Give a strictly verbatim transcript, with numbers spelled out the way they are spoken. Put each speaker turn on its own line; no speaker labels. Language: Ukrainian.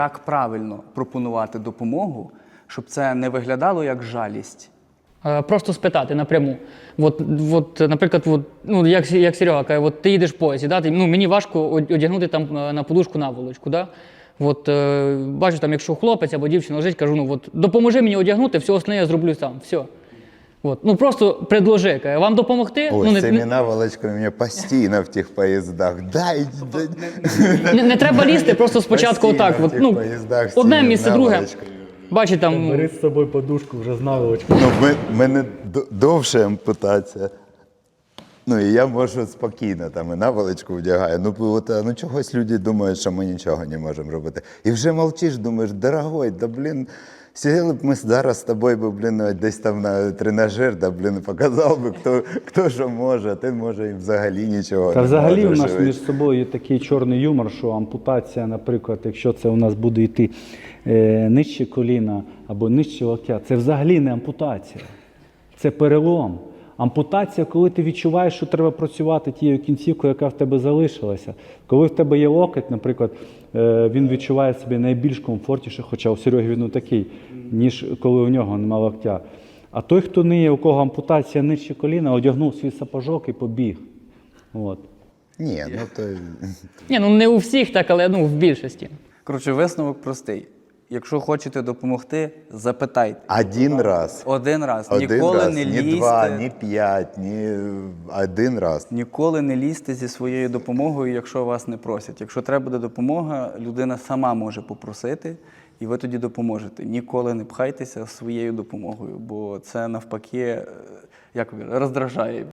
Як правильно пропонувати допомогу, щоб це не виглядало як жалість?
Е, Просто спитати напряму. От, от, наприклад, от, ну, як, як Серега каже, от ти їдеш в поїзді, да? ти, ну, мені важко одягнути там е, на подушку наволочку. Да? От, е, бачу, там, якщо хлопець або дівчина лежить, кажу, ну, от, допоможи мені одягнути, все остальне я зроблю сам. Все. От. Ну, просто предложи, каже, вам допомогти?
Ой,
ну,
з
не,
цими
не,
наволочками мене постійно в тих поїздах. Дай, дай.
не, не треба лізти, просто спочатку
Постійно
отак.
в
От,
тих
ну,
поїздах з
одне
цими
місце, друге.
наволочками.
Бачить там.
Бери з собою подушку вже з наволочкою.
Ну, в мене д- довше ампутація. Ну, і я можу спокійно там і наволочку вдягаю. Ну, от, а, ну, чогось люди думають, що ми нічого не можемо робити. І вже мовчиш, думаєш, дорогой, да, блін, сиділи б ми зараз з тобою, би, блін, десь там на тренажер, да, блін, показав би, хто, хто що може, а ти, може, і взагалі нічого
Та
не
взагалі у
можеш.
нас між собою є такий чорний юмор, що ампутація, наприклад, якщо це у нас буде йти е, нижче коліна або нижче локтя, це взагалі не ампутація, це перелом. Ампутація, коли ти відчуваєш, що треба працювати тією кінцівкою, яка в тебе залишилася. Коли в тебе є локоть, наприклад, е, він відчуває себе найбільш комфортніше, хоча у Сереги він не такий, ніж коли у нього немає локтя. А той, хто не є, у кого ампутація нижче коліна, одягнув свій сапожок і побіг. От.
Ні, ну то...
Ні, ну не у всіх так, але ну, в більшості.
Коротше, висновок простий. Якщо хочете допомогти, запитайте.
Один раз.
Один раз.
Один
Ніколи
раз,
не
ні
лізьте.
два, ні п'ять, ні один раз.
Ніколи не лізьте зі своєю допомогою, якщо вас не просять. Якщо треба буде допомога, людина сама може попросити, і ви тоді допоможете. Ніколи не пхайтеся своєю допомогою, бо це навпаки, як роздражає.